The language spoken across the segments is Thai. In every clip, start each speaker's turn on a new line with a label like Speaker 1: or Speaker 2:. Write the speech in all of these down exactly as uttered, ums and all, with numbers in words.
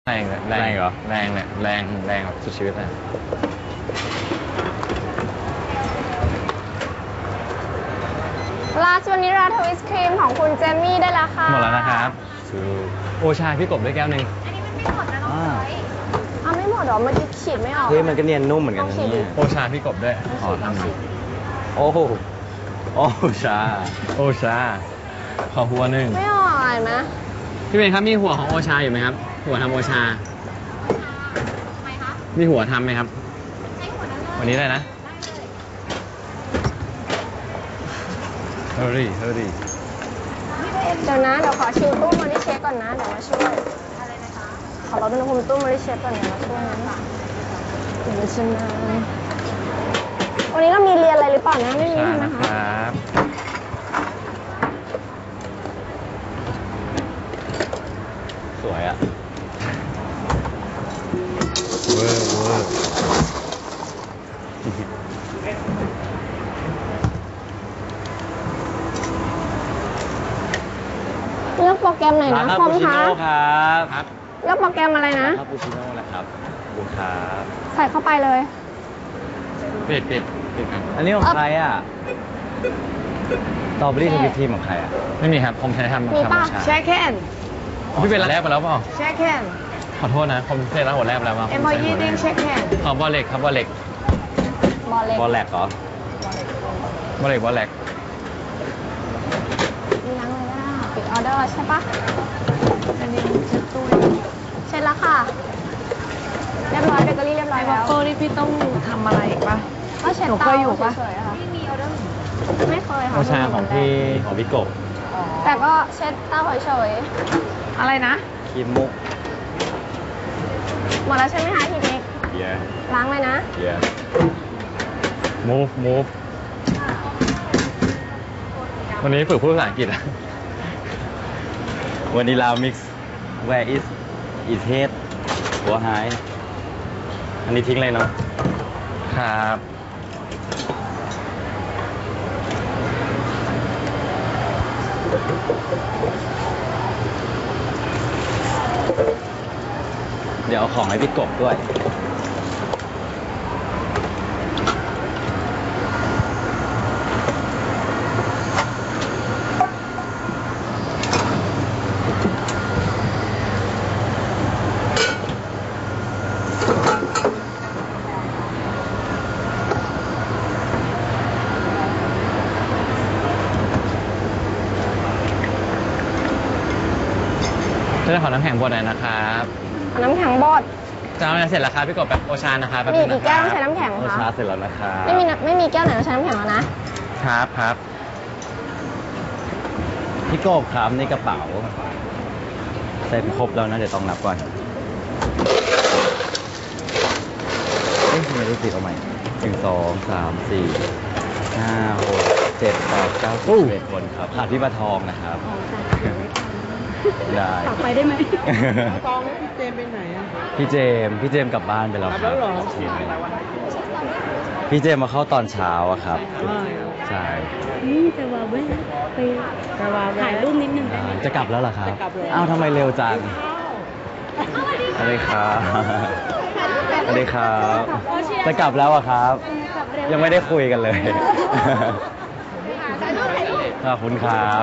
Speaker 1: แรงเลยแรงเหรอแรงเนี่ยแรงแรงแบบสุดชีวิตเลย
Speaker 2: ราชวนิราทวิสครีมของคุณเจมี่ได้แล้วค่ะ
Speaker 1: หมดแล้วนะครับโอชาพี่กบด้วยแก้วหนึ่ง
Speaker 2: อันนี้มันไม่หมดนะน้องพลอยอ้าวไม่หมดหรอเมื่อกี้ฉีดไม่ออก
Speaker 3: เฮ้ยมันก็เนียนนุ่มเหมือนกันนะเนี่ย
Speaker 1: โอชาพี่กบด้วยขอทำหนึ่ง
Speaker 3: โอ้โหโอชา
Speaker 1: โอชาขอหัวหนึ่ง
Speaker 2: ไม่ออกอะไรไหม
Speaker 1: พี่เบนครับมีหัวของโอชาอยู่ไหมครับหัวทำโอชามีหัวทำไหมครับวันนี้ได้นะเฮอรี่เฮอรี่
Speaker 2: เดี๋ยวนะเดี๋ยวขอชิลตู้มาดิเชฟก่อนนะเดี๋ยวมาช่วยอะไรนะคะขอเราเป็นคนตู้มาดิเชฟก่อนเดี๋ยวมาช่วยนะเดี๋ยวมาชิมนะวันนี้เรามีเรียนอะไรหรือเปล่านะไม่มีใช่ไหมคะ
Speaker 1: ครับ
Speaker 3: สวยอ่ะ
Speaker 1: เวอร์เวอร์
Speaker 2: เลือกโปรแกรมไหนนะคอมคะ
Speaker 3: ครับ
Speaker 1: ครับ
Speaker 2: เลือกโปรแกรมอะไรนะ
Speaker 3: คาปูชิโน่แหละครับบุญครับ
Speaker 2: ใส่เข้าไปเลย
Speaker 1: ปิดปิดปิดครับ
Speaker 3: อันนี้ของใครอ่ะสตรอเบอรี่ทวิตทีมของใครอ่ะ
Speaker 1: ไม่มีครับผมใช้ทำทำโอชา
Speaker 2: แช่แค่น
Speaker 1: พี่เป็นแรกไปแล้วเปล่า
Speaker 2: แช่แค่น
Speaker 1: ขอโทษนะผมเคยรับหัวแรกแล้วมา
Speaker 2: เอ็มพอยี่ดิ้งแช่แค่น
Speaker 1: ขอบอลเล็กครับบอลเล็ก
Speaker 2: บอลเล็ก
Speaker 3: บอลแลกเหรอบ
Speaker 1: อลเล็กบอลเล็ก
Speaker 2: มีล้างเลยนะปิดออเดอร์ใช่ปะอันนี้เช็ดตู้เช็ดแล้วค่ะเรียบร้อยเบเกอรี่เรียบร้อยแล้ว
Speaker 4: โก้นี่พี่ต้องทำอะไรอีกปะ
Speaker 2: ก็เช็ดเตาเฉยๆค่ะไม่มีออเดอร์ไม่เคยค่ะ
Speaker 1: โอชาของพี่ของพี่กบ
Speaker 2: แต่ก็เช็ดเตาเฉย
Speaker 4: ๆอะไรนะ
Speaker 3: ครีมมุก
Speaker 2: หมดแล้วใช่ไหมคะพี่เด็ก
Speaker 3: yeah
Speaker 2: ล้างเลยนะ
Speaker 3: yeah
Speaker 1: move move วันนี้ฝึกพูดภาษาอังกฤษอะ
Speaker 3: วานิลามิกซ์ where is is head หัวหายอันนี้ทิ้งเลยเนาะ
Speaker 1: ครับ
Speaker 3: เดี๋ยวเอาของให้พี่กบด้วย
Speaker 1: จะขอน้ำแข็งบดหน่อยนะครับ
Speaker 2: น้ำแข็งบด
Speaker 1: จะเอาอะไรเสร็จแล้วครับพี่กบแบบโอชานะครับ
Speaker 2: มีกี่แก้วใช้น้ำแข็งคะ
Speaker 3: โอชาเสร็จแล้วนะครับ
Speaker 2: ไม่มีไม่มีแก้วไหนต้องใช้น้ำแข็งแล้วนะครับ
Speaker 1: ครับ
Speaker 3: พี่กบครับในกระเป๋าใส่ครบแล้วนะเดี๋ยวต้องนับก่อนเอ๊ะทำไมรู้สึกเอาใหม่หนึ่งสองสามสี่ห้าหกเจ็ดแปดเก้าสิบเอ็ดคนครับขาดพี่ปลาทองนะครับได้
Speaker 4: กลับไปได้ไหม
Speaker 5: กองพี่เจมไปไหนอ่ะ
Speaker 3: พี่เจมพี่เจมกลับบ้านไปแล้วครับพี่เจมมาเข้าตอนเช้าอะครับใช่
Speaker 4: นี่แต่ว่าเว้ยไปถ่ายรูปนิดนึงได้ไหม
Speaker 3: จะกลับแล้วเหรอครับอ้าวทำไมเร็วจังสวัสดีครับสวัสดีครับจะกลับแล้วอะครับยังไม่ได้คุยกันเลยขอบคุณครับ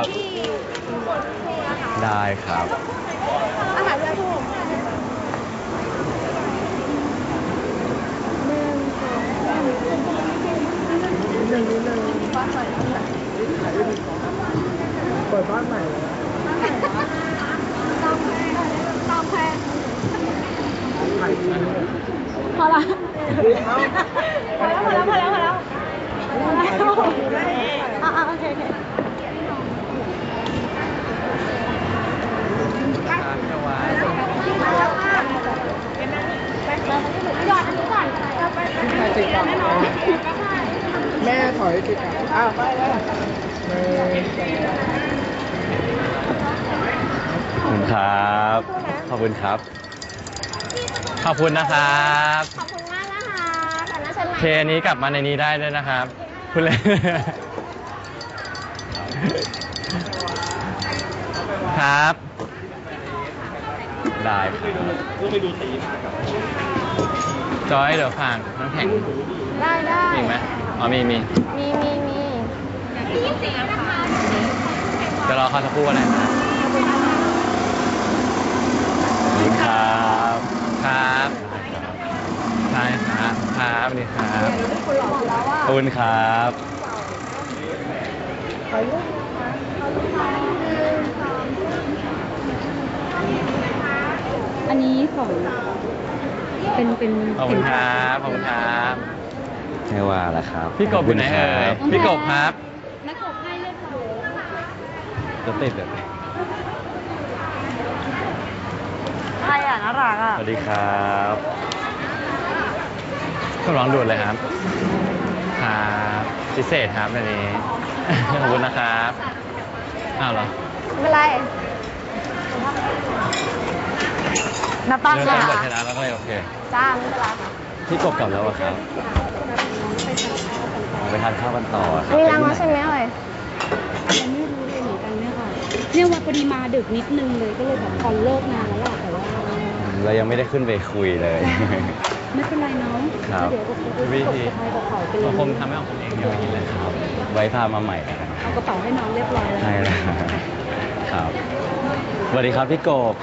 Speaker 3: ได้ครับ
Speaker 2: อาหารเรือถูก
Speaker 5: หนึ่งนิดนึงบ้านใหม่เปิดบ้านใหม่
Speaker 2: ตามแพงพอละพอแล้วพอแล้วพอแล้วพอแล้วอ่าโอเคโอเค
Speaker 5: แม่ถอยติดอ้าวไปแล้ว
Speaker 3: ขอบคุณครับขอบคุณครับ
Speaker 1: ขอบคุณนะครับ
Speaker 2: ขอบคุณมากนะคะแต่น่าจะ
Speaker 1: เคนี้กลับมาในนี้ได้ด้วยนะครับคุณเลยครับ
Speaker 3: ได้ครับ
Speaker 1: จอยเดี๋ยวฝากน้ำแข็ง
Speaker 2: ได้ได้
Speaker 1: มีอีกไหมอ๋อมีมี
Speaker 2: มีมีมี
Speaker 1: เดี๋ยวรอเขาสักครู่อะไรนะ
Speaker 3: สวัสดีครับ
Speaker 1: ครับใช่ครับครับสวัสดีครับ
Speaker 2: คุณหล่อแล้วว่า
Speaker 3: ขอบคุณครับ
Speaker 4: อันนี้ของเป็นเป็น
Speaker 1: ขอบคุณครับขอบคุณครับ
Speaker 3: ไม่ว่าละครับ
Speaker 1: พี่กบอยู่ไหนเอ่ย
Speaker 3: ขอบคุณ
Speaker 1: พี่กบครับ
Speaker 4: นักกบให้เลยค่ะ
Speaker 3: รถติดเลย
Speaker 2: ใครอ่ะน่ารักอ่ะ
Speaker 3: สวัสดีครับ
Speaker 1: ก็ร้องด่วนเลยครับครับพิเศษครับอันนี้ ขอบคุณนะครับอ้าวเหรอ
Speaker 2: ไม่เป็นไรนับตั้ง
Speaker 1: เรื่
Speaker 2: ค่ะ
Speaker 1: องบทชนะแล้วก็เลยโอเค
Speaker 2: จ้าไม่เป็นไรค่ะ
Speaker 3: พี่กบกลับแล้วเหรอครับไปทานข้าวกันต่อค
Speaker 2: อั
Speaker 3: รั
Speaker 2: นนี้ล้างแล้วใช่ไหมเอ่ย
Speaker 4: ยังไม่รู้เลยเหมือนกันเนี่ยค่ะเนี่ยว่าพอดีมาดึกนิดนึงเลยก็เลยแบบพอเลิกงานแล้วล่ะแต่ว่า
Speaker 3: เรายังไม่ได้ขึ้นไปคุยเลย
Speaker 4: ไม่เป็นไรเนาะ
Speaker 3: ครับ
Speaker 4: เดี๋ยวก็จะ
Speaker 1: วิ
Speaker 4: กด
Speaker 1: ธี
Speaker 4: สะพายกระเป๋าไปเล
Speaker 1: ผม
Speaker 4: ย
Speaker 1: ทำให้ของผมเองเดี๋ยวไปกินเลย
Speaker 3: ครับ ไว้พามาใหม่นะครับ
Speaker 4: เอากระเป๋าให้น้องเรียบร้อยแล้ว
Speaker 3: ใช่แล้วครับ สวัสดีครับพี่กบ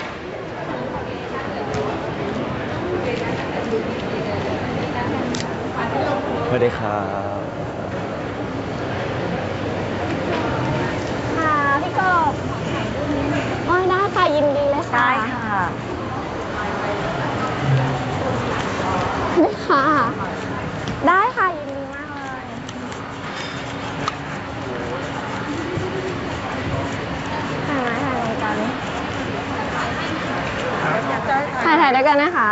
Speaker 3: สวัสดีครับ
Speaker 2: ค่ะพี่กบอ๋อได้ค่ะยินดีเลยค่ะได้ค่ะได้ค่ะ ได้ค่ะยินดีมากเลยถ่ายไหมถ่ายรายการนี้ถ่ายถ่ายด้วยกันนะคะ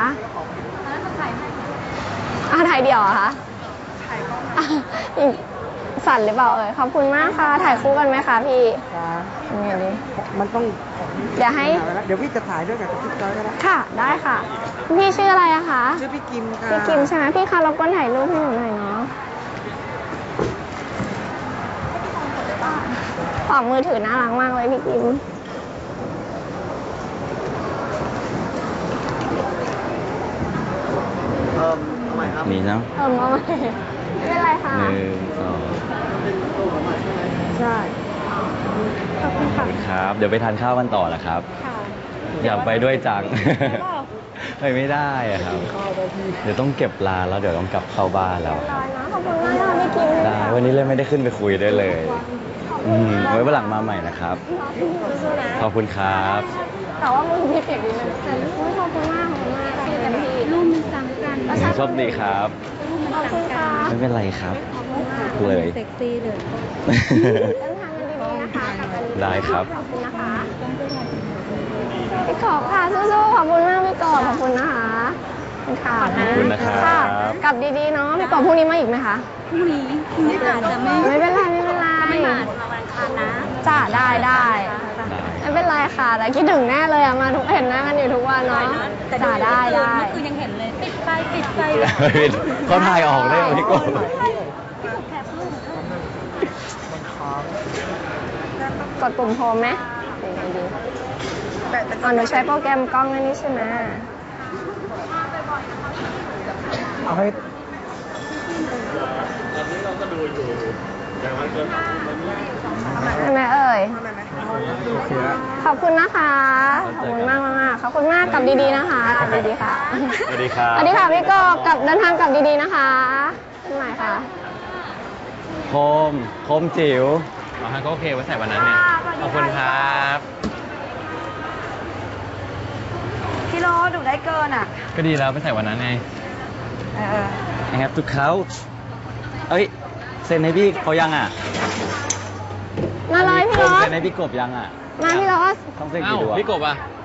Speaker 2: อ่ะถ่ายเดี่ยวเหรอคะอ่ะอีกสั่นหรือเปล่าเอ่ยขอบคุณมากค่ะ ถ่ายคู่กันไหมคะพี่
Speaker 5: จ้า
Speaker 2: ยังไงดี
Speaker 5: มันต้อง
Speaker 2: เดี๋ยวให้
Speaker 5: เดี๋ยวพี่จะถ่ายด้วยกับพี่จอยก็ได้
Speaker 2: ค่ะ ได้ค่ะ พี่ชื่ออะไรอะคะ
Speaker 5: ชื่อพี่กิมค่ะ
Speaker 2: พี่กิมใช่ไหมพี่คะรบกวนถ่ายรูปให้หนูหน่อยเนาะขอบมือถือน่ารักมากเลยพี่กิม
Speaker 3: มีเนาะ
Speaker 2: เออมาใหม่ไม่เป็นไรค่ะ
Speaker 3: หนึ่งสอง
Speaker 2: ใช่ขอบคุณ
Speaker 3: ขอบ
Speaker 2: ค่ะ
Speaker 3: คุณครับ เดี๋ยวไปทานข้าวกันต่อนะครับ
Speaker 2: ค่ะ
Speaker 3: อยากไปด้วยจัง ไปไม่ได้อะครับ เดี๋ยวต้องเก็บร้านแล้วเดี๋ยวต้องกลับเข้าบ้านแล้ว
Speaker 2: เรียบร้อยนะขอบคุณมากค่ะพี่กิม
Speaker 3: ได้ วันนี้เลยไม่ได้ขึ้นไปคุยด้วยเลย อืมไว้วันหลังมาใหม่นะครับ
Speaker 2: สู้ๆนะ
Speaker 3: ขอบคุณครับ
Speaker 2: แต่ว่ามือพี่เปียกนิดนึงแต่อุ๊ยขอบคุณมากขอบคุณมากพี่เต็มที่
Speaker 4: รูปมันซ้ำกัน
Speaker 3: โชคดีครับ
Speaker 4: รูปมัน
Speaker 2: ขอบคุณ
Speaker 4: ซ้ำกั
Speaker 2: ค่ะ
Speaker 4: น
Speaker 3: ไม่เป็นไรครับ
Speaker 2: ขอบคุณมาก
Speaker 3: เลย
Speaker 4: เซ็กซี่เลย
Speaker 2: เดินทางกันดีๆนะคะกลับกันดีๆ
Speaker 3: ได้ครับ
Speaker 2: ขอบคุณนะคะพี่กอบค่ะสู้ๆขอบคุณมากพี่กอบขอบคุณนะคะขอบคุณค่ะ
Speaker 3: ขอบคุณนะครับ
Speaker 2: ค่ะกลับดีๆเนาะพี่กอบพรุ่งนี้มาอีกไหมคะ
Speaker 4: พรุ่งนี้พรุ่งนี้อาจจะไม่
Speaker 2: ไม่เป็นไรไม่เป็นไรไม่มามาวันคันนะจ้าได้ได้
Speaker 3: ได้
Speaker 2: ไม่เป็นไรค่ะแต่คิดถึงแน่เลยอะมาทุกเห็นหน้ากันอยู่ทุกวันเนาะจ้าได้ได้
Speaker 4: เมื่อคืนยังเห็นเลยปิดไฟปิดไฟ
Speaker 3: เขาถ่ายออกได้เหรอพี่กบ
Speaker 2: กดปุ่มโฮมไหมยังไงดีอ๋อหนูใช้โปรแกรมกล้องอันนี้ใช่ไหม
Speaker 5: เอาให้
Speaker 2: ใช่ไหมเอ่ย
Speaker 5: โอเคแล้ว
Speaker 2: ขอบคุณนะคะ ขอบคุณมากมากๆขอบคุณมากกลับดีๆนะคะกลับดีๆค่ะ
Speaker 3: สวัสดีครับ
Speaker 2: สวัสดีค่ะพี่กบกลับเดินทางกลับดีๆนะคะขึ้นใหม่ค่ะ
Speaker 3: โคม โคมจิ๋ว
Speaker 1: อ๋อฮะก็โอเคไว้ใส่วันนั้นเนี่ยขอบคุณครับ
Speaker 2: พี่โรดูได้เกินอ่ะ
Speaker 1: ก็ดีแล้วไปใส่วันนั้นไง
Speaker 2: เออ
Speaker 3: I have to couch เอ้ย เซ็นให้พี่เขายังอ่ะ
Speaker 2: มาเลยพี่โร
Speaker 3: เซ็นให้พี่กบยังอ่ะ
Speaker 2: มาพี่โร
Speaker 3: ต้องเซ็น
Speaker 1: อ้า
Speaker 3: กี่
Speaker 1: ว
Speaker 3: ดวง
Speaker 1: พี่กบอ่ะ